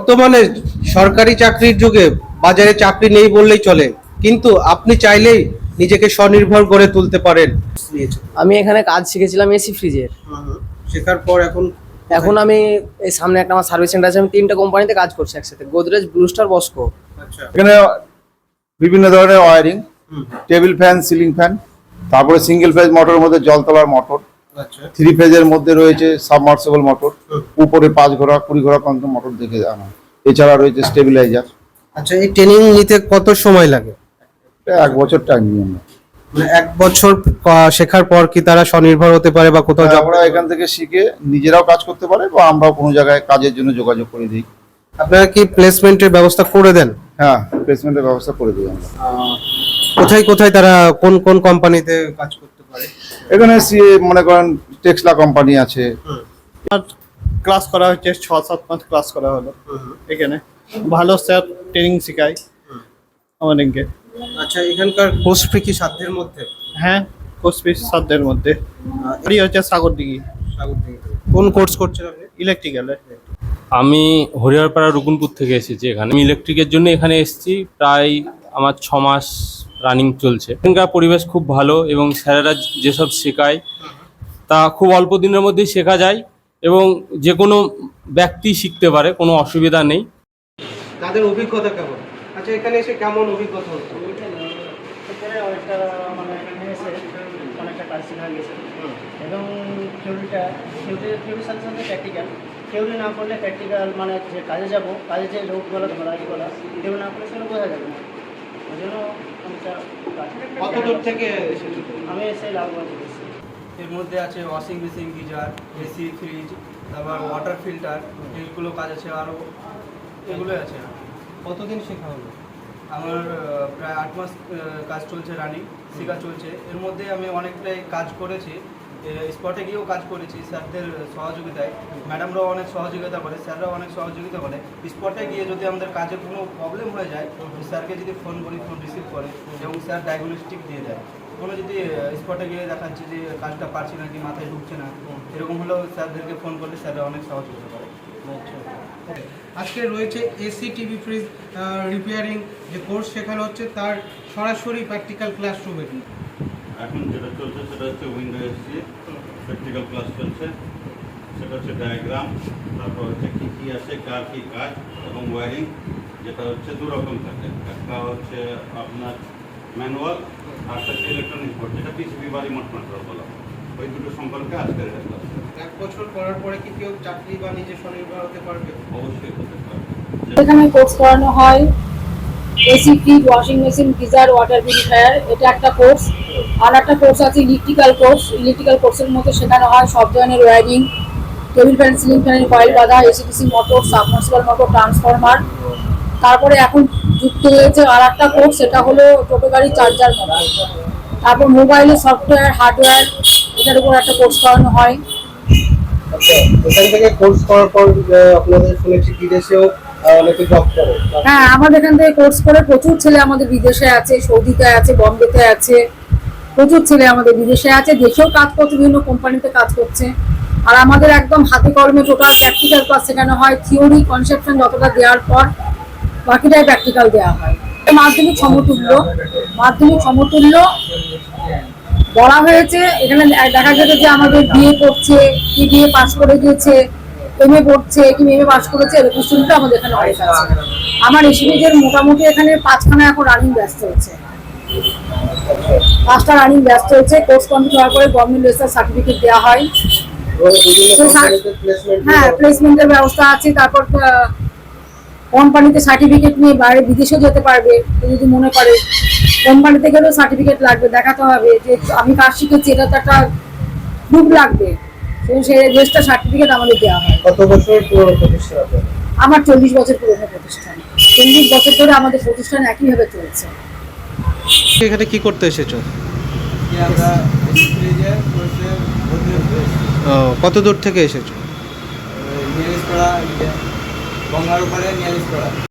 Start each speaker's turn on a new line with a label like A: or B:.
A: বর্তমানে সরকারি চাকরির যুগে বাজারে চাকরি নেই বললেই চলে, কিন্তু আপনি চাইলেই নিজেকে স্বনির্ভর করে তুলতে পারেন।
B: আমি এখানে কাজ শিখেছিলাম এসি ফ্রিজের।
A: শেখার পর
B: এখন আমি এই সামনে একটা আমার সার্ভিস সেন্টার আছে, আমি 3টে কোম্পানিতে কাজ করছি একসাথে, গোদরেজ, ব্লু স্টার, বস্কো।
A: আচ্ছা।
C: এখানে বিভিন্ন ধরনের wiring, table fan, ceiling fan, তারপরে সিঙ্গেল ফেজ মোটরের মধ্যে জল তোলার মোটর,
A: আচ্ছা।
C: 3 ফেজের মধ্যে রয়েছে সাবমার্সিবল মোটর, উপরে 5 ঘোড়া 20 ঘোড়া পর্যন্ত মোটর দেখে আনা। এছাড়া রয়েছে স্টেবিলাইজার।
A: আচ্ছা, এই ট্রেনিং নিতে কত সময় লাগে?
C: 1 বছর টাইম নিয়ে আমরা।
A: মানে 1 বছর শেখার পর কি তারা স্বনির্ভর হতে পারে বা কোথাও
C: আমরা এখান থেকে শিখে নিজেরাও কাজ করতে পারে বা আমরাও কোনো জায়গায় কাজের জন্য যোগাযোগ করে দিই।
A: আপনারা কি প্লেসমেন্টের ব্যবস্থা করে দেন?
C: হ্যাঁ, প্লেসমেন্টের ব্যবস্থা করে দিই আমরা।
A: কোথায় কোথায় তারা কোন কোন কোম্পানিতে কাজ করতে পারে?
C: এখানে মনে করেন টেক্সলা কোম্পানি আছে।
D: ক্লাস করা হচ্ছে 6-7 মাস ক্লাস করা হলো এখানে। ভালো স্যার ট্রেনিং শেখায় আমাদেরকে।
A: আচ্ছা, এখানকার কোর্স ফি কি সাধ্যের মধ্যে?
D: হ্যাঁ, কোর্স ফিস সাধ্যের মধ্যে। বাড়ি হচ্ছে সাগরদিঘি।
A: কোন কোর্স করছেন আপনি?
D: ইলেকট্রিক্যালে।
E: আমি হরিহরপাড়া রুকুনপুর থেকে এসেছি এখানে। আমি ইলেকট্রিকের জন্য এখানে এসেছি, প্রায় আমার 6 মাস রানিং চলছে। এখানকার পরিবেশ খুব ভালো এবং স্যারেরা যেসব শেখায় তা খুব অল্প দিনের মধ্যেই শেখা যায় এবং যে কোনো ব্যক্তি শিখতে পারে, কোনো অসুবিধা নেই।
A: তাদের অভিজ্ঞতা কেমন? আচ্ছা, এখানে এসে কেমন অভিজ্ঞতা হচ্ছে?
F: অনেকটা কাজ শেখা গেছে এবং থিওরির সাথে সাথে প্র্যাকটিক্যাল। থিওরি না করলে প্র্যাকটিক্যাল মানে যে কাজে যাব, কাজে যে লোকগুলো ধরা এগুলো থিওরি না করলে সেগুলো বোঝা যাবে না। ওই জন্য অনেকটা
A: কত দূর থেকে এসেছো?
F: আমি এসে লাভবান হয়েছি।
G: এর মধ্যে আছে washing machine, geyser, AC, fridge, তারপর ওয়াটার ফিল্টার, এইগুলো কাজ আছে, আরও এগুলোই আছে।
A: কতদিন শেখা হলো?
G: আমার প্রায় 8 মাস কাজ চলছে, রানিং শেখা চলছে। এর মধ্যে আমি অনেকটাই কাজ করেছি, স্পটে গিয়েও কাজ করেছি স্যারদের সহযোগিতায়। ম্যাডামরাও অনেক সহযোগিতা করে, স্যাররাও অনেক সহযোগিতা করে। স্পটে গিয়ে যদি আমাদের কাজে কোনো প্রবলেম হয়ে যায়, স্যারকে যদি ফোন করি, ফোন রিসিভ করে এবং স্যার ডায়াগনস্টিক দিয়ে দেয়। কোনো যদি স্পটে গিয়ে দেখাচ্ছে যে কাজটা পারছি না কি মাথায় ঢুকছে না, এরকম হলেও স্যারদেরকে ফোন করলে স্যাররা অনেক সহযোগিতা করে।
A: আজকে রয়েছে এসি, টিভি, ফ্রিজ রিপেয়ারিং যে কোর্স শেখানো হচ্ছে তার সরাসরি প্র্যাকটিক্যাল ক্লাসরুমে।
H: এখন যেটা চলছে সেটা হচ্ছে উইন্ডো এসি প্র্যাকটিক্যাল ক্লাস চলছে। সেটা হচ্ছে ডায়াগ্রাম, তারপর হচ্ছে কী কী আছে, কার কী কাজ এবং ওয়ারিং, যেটা হচ্ছে 2 রকম থাকে। একটা হচ্ছে আপনার ম্যানুয়াল, আর একটা হচ্ছে ইলেকট্রনিক বোর্ড, যেটা পিসিবি বা রিমোট কন্ট্রোল বলা। ওই দুটো সম্পর্কে আজকের এটা ক্লাস।
A: 1 বছর করার পরে কি কেউ চাকরি বা নিজে স্বনির্ভর হতে পারবে?
H: অবশ্যই হতে পারবে।
I: এখানে কোর্স করানো হয় AC, fridge, washing machine, geyser, water purifier, এটা একটা কোর্স। আর একটা কোর্স আছে ইলেকট্রিক্যাল কোর্স। ইলেকট্রিক্যাল কোর্সের মধ্যে শেখানো হয় সব ধরনের ওয়্যারিং, টেবিল ফ্যান, সিলিং ফ্যানের কয়েল বাঁধা, AC DC motor, submersible motor, transformer. তারপরে এখন যুক্ত হয়েছে আর একটা কোর্স, সেটা হলো টোটো গাড়ি চার্জার মোবাইল। তারপর মোবাইলের সফটওয়্যার, হার্ডওয়্যার, এটার উপর একটা কোর্স করানো হয়।
A: আচ্ছা, এখান থেকে কোর্স করার পর আপনাদের শুনেছি বিদেশেও অনেকে জব করে।
I: হ্যাঁ, আমাদের এখান থেকে কোর্স করে প্রচুর ছেলে আমাদের বিদেশে আছে, সৌদিতে আছে, বম্বেতে আছে, প্রচুর ছেলে আমাদের বিদেশে আছে, দেশেও কাজ করছে, বিভিন্ন কোম্পানিতে কাজ করছে। আর আমাদের একদম হাতে কলমে টোটাল প্র্যাকটিক্যাল ক্লাস শেখানো হয়। থিওরি কনসেপশন যতটা দেওয়ার পর বাকিটাই প্র্যাকটিক্যাল দেওয়া হয়। মাধ্যমিক সমতুল্য, মাধ্যমিক সমতুল্য বলা হয়েছে। এখানে দেখা গেছে যে আমাদের বিএ পড়ছে, কি বিএ পাস করে গিয়েছে, এমএ পড়ছে, কি এমএ পাস করেছে, এরকম স্টুডেন্ট আমাদের এখানে অনেক আছে। আমার এসিবিদের মোটামুটি এখানে 5খানা এখন রানিং ব্যাচ চলছে, 5টা রানিং ব্যাচ চলছে। কোর্স কমপ্লিট হওয়ার পরে গভর্নমেন্ট রেজিস্টার সার্টিফিকেট দেওয়া হয়। হ্যাঁ, প্লেসমেন্টের ব্যবস্থা আছে। তারপর কোম্পানিতে সার্টিফিকেট নিয়ে বাইরে বিদেশেও যেতে পারবে যদি মনে করে। কোম্পানিতে গেলেও সার্টিফিকেট লাগবে, দেখাতে হবে যে আমি কাজ শিখেছি, এটা তো একটা প্রুফ লাগবে। সেই রেজিস্টার সার্টিফিকেট আমাদের দেওয়া হয়।
A: কত বছর পুরনো প্রতিষ্ঠান?
I: আমার 40 বছর পুরনো প্রতিষ্ঠান। 40 বছর ধরে আমাদের প্রতিষ্ঠান একইভাবে চলছে।
A: এখানে কি করতে এসেছো?
G: আমরা ফ্রিজের কোর্সে ভর্তি হতে এসেছি।
A: কত দূর থেকে এসেছো?
G: নিয়ালিশপাড়া, গঙ্গার ওপারে নিয়ালিশপাড়া।